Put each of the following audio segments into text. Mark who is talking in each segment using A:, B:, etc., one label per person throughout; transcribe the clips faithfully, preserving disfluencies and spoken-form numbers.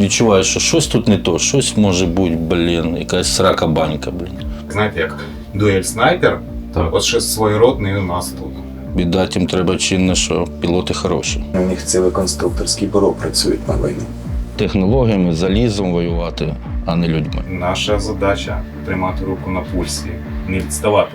A: відчуваєш, що щось тут не то, щось може бути, блін, якась срака банька, блін.
B: Знаєте, як дуель снайпер,
C: Так.
B: от щось своєродне і у нас тут.
A: Віддати їм треба чинно, що пілоти хороші.
D: У них ціле конструкторські бюро працюють на війні.
A: Технологіями, залізом воювати, а не людьми.
B: Наша задача тримати руку на пульсі, не відставати.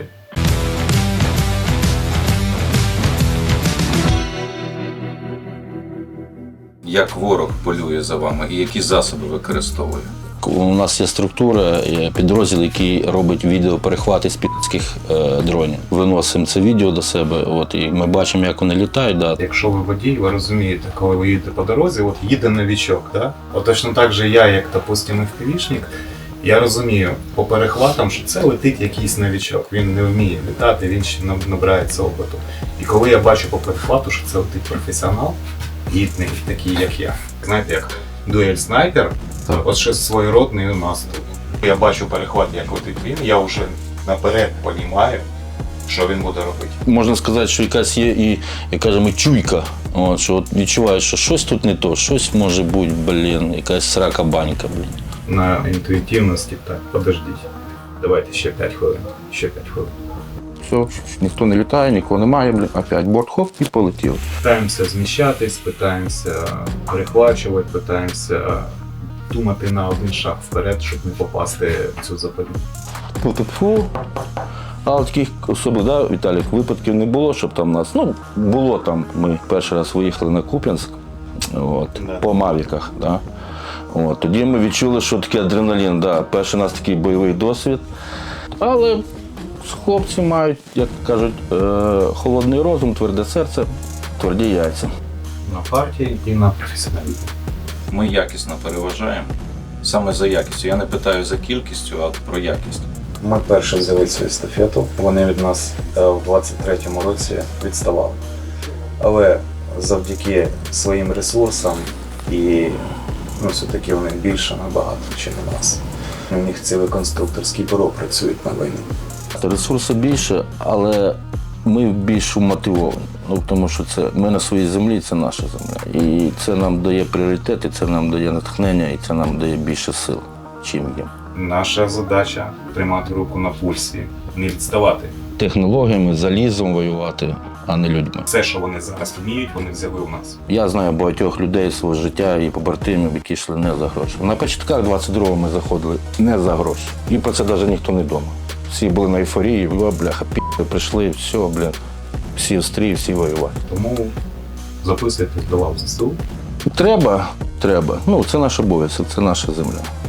C: Як ворог полює за вами і які засоби використовує?
A: У нас є структура, є підрозділ, який робить відеоперехвати з пі***ських е, дронів. Виносимо це відео до себе, от, і ми бачимо, як вони літають. Да.
B: Якщо ви водій, ви розумієте, коли ви їдете по дорозі, от їде новічок, да? От точно так же я, як, допустим, еф пі ві-шник, я розумію по перехватам, що це летить якийсь новічок. Він не вміє літати, він ще набирається опиту. І коли я бачу по перехвату, що це летить професіонал, гідний, такий, як я. Знаєте, як дуель снайпер,
C: Так.
B: от щось своєродне і у нас тут. Я бачу перехват, як летить він, я вже наперед розумію, що він буде робити.
A: Можна сказати, що якась є і, як кажемо, чуйка. От, що от відчуваєш, що щось тут не то, щось може бути, блін, якась срака банька, блін.
B: На інтуїтивності, так, подождіть. Давайте ще п'ять хвилин, ще п'ять хвилин.
E: Все, ніхто не літає, нікого немає, блін, опять борт хоп і полетів.
B: Питаємося зміщатись, питаємося перехвачувати, питаємося думати на один шаг вперед, щоб не попасти в цю западню.
A: Фу-фу-фу. Але таких особливих, да, Віталік, випадків не було, щоб там нас, ну, було там, ми перший раз виїхали на Куп'янськ, от,
B: Да.
A: по Мавіках, да. От, тоді ми відчули, що таке адреналін, да, перший у нас такий бойовий досвід. Але хлопці мають, як кажуть, е, холодний розум, тверде серце, тверді яйця.
B: На партії і на професіоналізм.
C: Ми якісно переважаємо. Саме за якістю. Я не питаю за кількістю, а про якість.
D: Ми перші взяли цю естафету, вони від нас е, в двадцять третьому році відставали. Але завдяки своїм ресурсам і ну, все-таки вони більше набагато, ніж у нас. У них ціле конструкторські бюро працюють на війні.
A: Ресурсу більше, але ми більш мотивовані. Ну, тому що це ми на своїй землі, це наша земля. І це нам дає пріоритет, і це нам дає натхнення, і це нам дає більше сил, чим їм.
B: Наша задача тримати руку на пульсі, не відставати.
A: Технологіями, залізом воювати, а не людьми.
B: Все, що вони зараз вміють, вони взяли у нас.
A: Я знаю багатьох людей свого життя і побратимів, які йшли не за гроші. На початках двадцять другого ми заходили не за гроші. І про це навіть ніхто не думав. Всі були на ейфорії, о, бляха, пі***, прийшли, все, блін, всі в стрій, всі воювати.
B: Тому записуйтесь до лав ЗСУ.
A: Треба, треба. Ну, це наш обов'язок, це наша земля.